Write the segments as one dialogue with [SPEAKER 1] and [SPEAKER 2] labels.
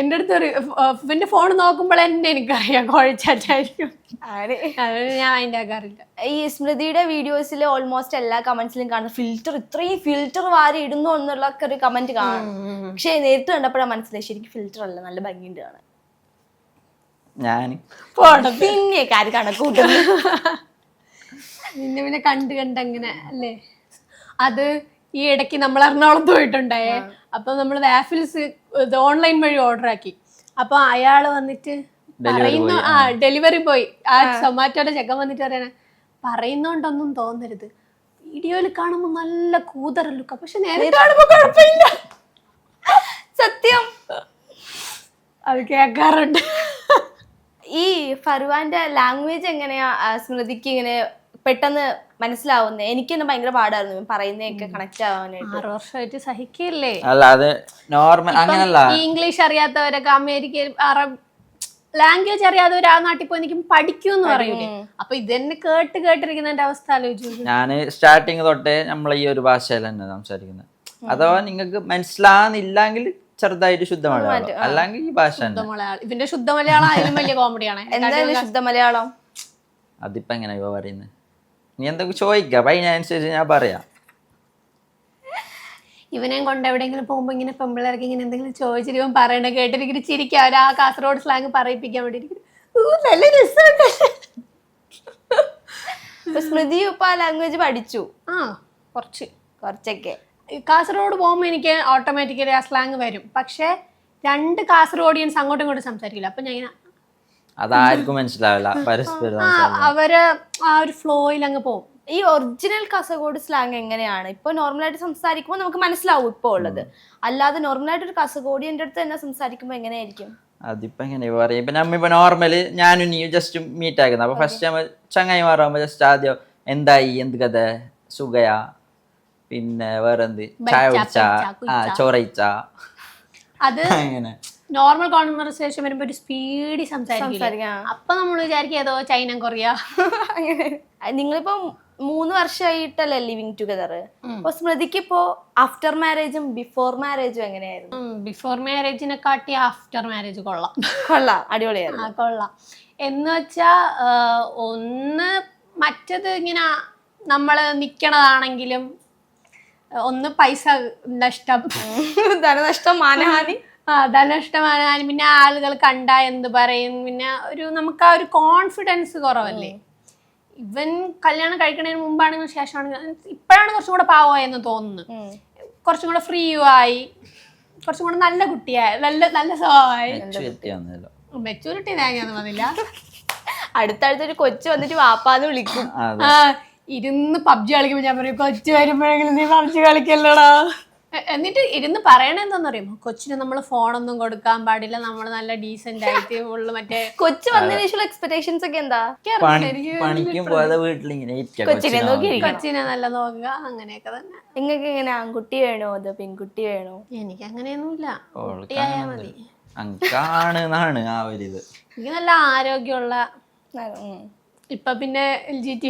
[SPEAKER 1] എന്റെ അടുത്ത് ഇവന്റെ ഫോൺ നോക്കുമ്പോൾ എന്നെ എനിക്കറിയാം കുഴച്ചാറ്റായിരിക്കും. ഞാൻ അതിന്റെ ആക്കാറില്ല.
[SPEAKER 2] ഈ സ്മൃതിയുടെ വീഡിയോസിൽ ഓൾമോസ്റ്റ് എല്ലാ കമന്റ്സിലും കാണുന്ന ഫിൽറ്റർ, ഇത്രയും ഫിൽറ്റർ വാരി ഇടുന്നു എന്നുള്ള ഒരു കമന്റ് കാണും. പക്ഷെ നേരിട്ട് കണ്ടപ്പോഴാണ് മനസ്സിലായി ശരിക്കും ഫിൽറ്റർ അല്ല, നല്ല ഭംഗിയുണ്ട് കാണാൻ. പിന്നെ കാര്യം കണക്കൂട്ടുന്നു.
[SPEAKER 1] പിന്നെ കണ്ടങ്ങനെ അല്ലേ. അത് ഈ ഇടയ്ക്ക് നമ്മൾ എറണാകുളത്ത് പോയിട്ടുണ്ടായേ. അപ്പൊ നമ്മൾ വാഫിൽസ് ഓൺലൈൻ വഴി ഓർഡർ ആക്കി. അപ്പൊ അയാള് വന്നിട്ട് പറയുന്നു, ഡെലിവറി ബോയ് ആ സൊമാറ്റോയുടെ ചെക്കൻ വന്നിട്ട് പറയണ, പറയുന്നോണ്ടൊന്നും തോന്നരുത്, വീഡിയോയിൽ കാണുമ്പോ നല്ല കൂതറ ലുക്ക, പക്ഷെ നേരെ കാണുമ്പോ കുഴപ്പമില്ല.
[SPEAKER 2] സത്യം,
[SPEAKER 1] അത് കേൾക്കാറുണ്ട്.
[SPEAKER 2] ഈ ഫർവാന്റെ ലാംഗ്വേജ് എങ്ങനെയാ സ്മൃതിക്ക് ഇങ്ങനെ പെട്ടെന്ന് മനസ്സിലാവുന്നത്? എനിക്ക് തന്നെ ഭയങ്കര പാടായിരുന്നു പറയുന്നതൊക്കെ കണക്ട് ആവാനായിട്ട്.
[SPEAKER 1] 6 വർഷമായിട്ട് സഹിക്കില്ലേ.
[SPEAKER 3] അല്ല അത് നോർമൽ അങ്ങനല്ല.
[SPEAKER 1] ഇംഗ്ലീഷ് അറിയാത്തവരൊക്കെ അമേരിക്കയിൽ അറബ് ലാംഗ്വേജ് അറിയാത്തവർ ആ നാട്ടിൽ പോയി നിൽക്കും പഠിക്കൂന്ന് പറയൂലേ. അപ്പൊ ഇതെന്നെ കേട്ടിരിക്കുന്നതിന്റെ അവസ്ഥ ആലോചിച്ചു.
[SPEAKER 3] ഞാൻ സ്റ്റാർട്ടിങ് തൊട്ടേ നമ്മൾ ഈ ഒരു ഭാഷയിൽ തന്നെ സംസാരിക്കുന്നത്. അഥവാ നിങ്ങൾക്ക് മനസ്സിലാകുന്നില്ലെങ്കിൽ ചെറുതായിട്ട് ശുദ്ധ മലയാളം, അല്ലെങ്കിൽ ഈ ഭാഷ
[SPEAKER 1] ഇതിന്റെ ശുദ്ധ മലയാളം അതിലും വലിയ കോമഡിയാണ്.
[SPEAKER 2] എന്തായാലും ശുദ്ധ മലയാളം
[SPEAKER 3] അതിപ്പോ എങ്ങനെ ഇവ പറയുന്നത്? നീ എന്തൊക്കെ ചോദിക്കാം, അതിനനുസരിച്ച് ഞാൻ പറയാം.
[SPEAKER 1] ഇവനെയും കൊണ്ട് എവിടെയെങ്കിലും പോകുമ്പോ ഇങ്ങനെ പെമ്പിള്ളേർക്ക് ഇങ്ങനെ എന്തെങ്കിലും ചോദിച്ചിട്ട് ഇവൻ പറയണ കേട്ടിരിക്കും ചിരിക്കും. അവർ ആ കാസർഗോഡ് സ്ലാങ് പറയിപ്പിക്കാൻ വേണ്ടി നല്ല രസമുണ്ട്.
[SPEAKER 2] സ്മൃതി ഇപ്പൊ ആ ലാംഗ്വേജ് പഠിച്ചു? കുറച്ചൊക്കെ.
[SPEAKER 1] കാസർഗോഡ് പോകുമ്പോ എനിക്ക് ഓട്ടോമാറ്റിക്കലി ആ സ്ലാങ് വരും. പക്ഷെ 2 കാസർഗോഡിയൻസ് അങ്ങോട്ടും ഇങ്ങോട്ടും സംസാരിക്കില്ല. അപ്പൊ ഞാൻ
[SPEAKER 3] അതാർക്കും മനസ്സിലാവില്ല, പരസ്പരം
[SPEAKER 1] അവര് ആ ഒരു ഫ്ലോയിൽ അങ്ങ് പോകും.
[SPEAKER 2] ഈ ഒറിജിനൽ കാസർഗോഡ് സ്ലാങ് എങ്ങനെയാണ്? ഇപ്പൊ നോർമലായിട്ട് സംസാരിക്കുമ്പോൾ നമുക്ക് മനസ്സിലാവും ഇപ്പൊ ഉള്ളത്. അല്ലാതെ നോർമലായിട്ട് ഒരു കാസർഗോഡിയന്റെ അടുത്ത് തന്നെ സംസാരിക്കുമ്പോ എങ്ങനെയായിരിക്കും?
[SPEAKER 3] അതിപ്പോ എങ്ങനെ പറയാം. ഇപ്പൊ നമ്മിപ്പോ നോർമല് ഞാനും നീ ജസ്റ്റ് മീറ്റ് ആക്കുന്നത്. അപ്പൊ ഫസ്റ്റ് നമ്മൾ ചങ്ങായി മാറുമ്പോ ജസ്റ്റ് ആദ്യം എന്തായി, എന്ത് കഥ, സുഖയാ, പിന്നെ വേറെന്ത്, ചായ കുടിച്ചാ, ചോറയിച്ചാ, അത്
[SPEAKER 1] അങ്ങനെ നോർമൽ കോൺവെർസേഷൻ വരുമ്പോ ഒരു സ്പീഡിൽ സംസാരിക്കും. അപ്പൊ നമ്മൾ വിചാരിക്കും ഏതോ ചൈന കൊറിയ.
[SPEAKER 2] നിങ്ങളിപ്പോ 3 വർഷമായിട്ടല്ലേ ലിവിങ് ടുഗദർ. അപ്പൊ സ്മൃതിക്ക് ഇപ്പോ ആഫ്റ്റർ മാരേജും ബിഫോർ മാരേജും എങ്ങനെയായിരുന്നു?
[SPEAKER 1] ബിഫോർ മാരേജിനെ കാട്ടി ആഫ്റ്റർ മാരേജ് കൊള്ളാം,
[SPEAKER 2] അടിപൊളിയായിരുന്നു.
[SPEAKER 1] കൊള്ളാം എന്ന് വെച്ചാ ഒന്ന് മറ്റത് ഇങ്ങനെ നമ്മള് നിക്കണതാണെങ്കിലും ഒന്ന് പൈസ നഷ്ടം,
[SPEAKER 2] ധനനഷ്ടം, മാനഹാനി.
[SPEAKER 1] ധനനഷ്ടമാനാലും പിന്നെ ആളുകൾ കണ്ടാ എന്ത് പറയും, പിന്നെ നമുക്ക് ആ ഒരു കോൺഫിഡൻസ് കുറവല്ലേ. ഇവൻ കല്യാണം കഴിക്കുന്നതിന് മുമ്പാണെങ്കിലും ശേഷമാണെങ്കിലും ഇപ്പോഴാണ് കുറച്ചും കൂടെ പാവമായെന്ന് തോന്നുന്നു. കുറച്ചും കൂടെ ഫ്രീ ആയി, കുറച്ചും കൂടെ നല്ല കുട്ടിയായി, നല്ല സ്വഭാവമായി. മെച്ചൂരിറ്റി തേങ്ങയൊന്നും വന്നില്ല.
[SPEAKER 2] അടുത്തടുത്തൊരു കൊച്ചു വന്നിട്ട് വാപ്പാന്ന് വിളിക്കും.
[SPEAKER 1] ഇരുന്ന് പബ്ജി കളിക്കുമ്പോ ഞാൻ പറയും, കൊച്ചു വരുമ്പോഴെങ്കിലും നീ പബ്ജി കളിക്കല്ലോടാ. എന്നിട്ട് ഇരുന്ന് പറയണെന്താന്ന് അറിയുമോ, കൊച്ചിന് നമ്മൾ ഫോണൊന്നും കൊടുക്കാൻ പാടില്ല, നമ്മൾ നല്ല ഡീസന്റ് ആയിട്ട് ഉള്ളു. മറ്റേ
[SPEAKER 2] കൊച്ചു വന്നതിനുള്ള എക്സ്പെക്ടേഷൻസ് ഒക്കെ എന്താ?
[SPEAKER 1] കൊച്ചിനെ നല്ല നോക്കുക, അങ്ങനെയൊക്കെ തന്നെ.
[SPEAKER 2] നിങ്ങൾക്ക് എങ്ങനെ ആൺകുട്ടി വേണോ അതോ പെൺകുട്ടി വേണോ?
[SPEAKER 1] എനിക്ക് അങ്ങനെയൊന്നുമില്ല, കുട്ടിയായാ മതി. എനിക്ക് നല്ല ആരോഗ്യമുള്ള, ഇപ്പൊ പിന്നെ LGT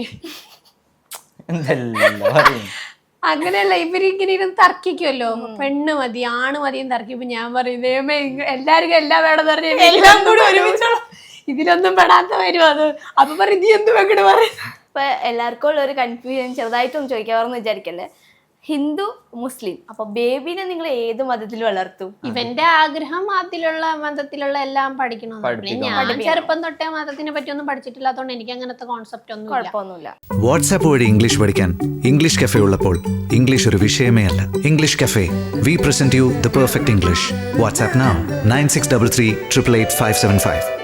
[SPEAKER 1] അങ്ങനെയല്ല, ഇവരിങ്ങനെ ഇരുന്ന് തർക്കിക്കുമല്ലോ, പെണ്ണ് മതി ആണ് മതിയും തർക്കിപ്പോ ഞാൻ പറയും എല്ലാവർക്കും എല്ലാം വേണമെന്ന് പറഞ്ഞ എല്ലാം കൂടി ഒരുമിച്ചുള്ള ഇതിലൊന്നും പെടാത്ത വരും. അത് അപ്പൊ പറയും നീ എന്ത് വെക്കണ പറയും.
[SPEAKER 2] ഇപ്പൊ എല്ലാവർക്കും ഉള്ള ഒരു കൺഫ്യൂഷൻ ചെറുതായിട്ടൊന്നും ചോദിക്കാറെന്ന് വിചാരിക്കല്ലേ, ഹിന്ദു മുസ്ലിം, അപ്പൊ ബേബിനെ നിങ്ങൾ ഏത് മതത്തിൽ വളർത്തും?
[SPEAKER 1] ഇവന്റെ ആഗ്രഹം അതിലുള്ള മതത്തിലുള്ള എല്ലാം പഠിക്കണം. ഞാൻ ചെറുപ്പം തൊട്ടേ മതത്തിനെ പറ്റി ഒന്നും പഠിച്ചിട്ടില്ലാത്തതുകൊണ്ട് എനിക്ക് അങ്ങനത്തെ കോൺസെപ്റ്റ് ഒന്നും
[SPEAKER 2] കുഴപ്പമൊന്നുമില്ല.
[SPEAKER 4] വാട്സാപ്പ് വഴി ഇംഗ്ലീഷ് പഠിക്കാൻ ഇംഗ്ലീഷ് കഫേ ഉള്ളപ്പോൾ ഇംഗ്ലീഷ് ഒരു വിഷയമേ അല്ല. English cafe, we present you the perfect English. WhatsApp now 9633 888 575.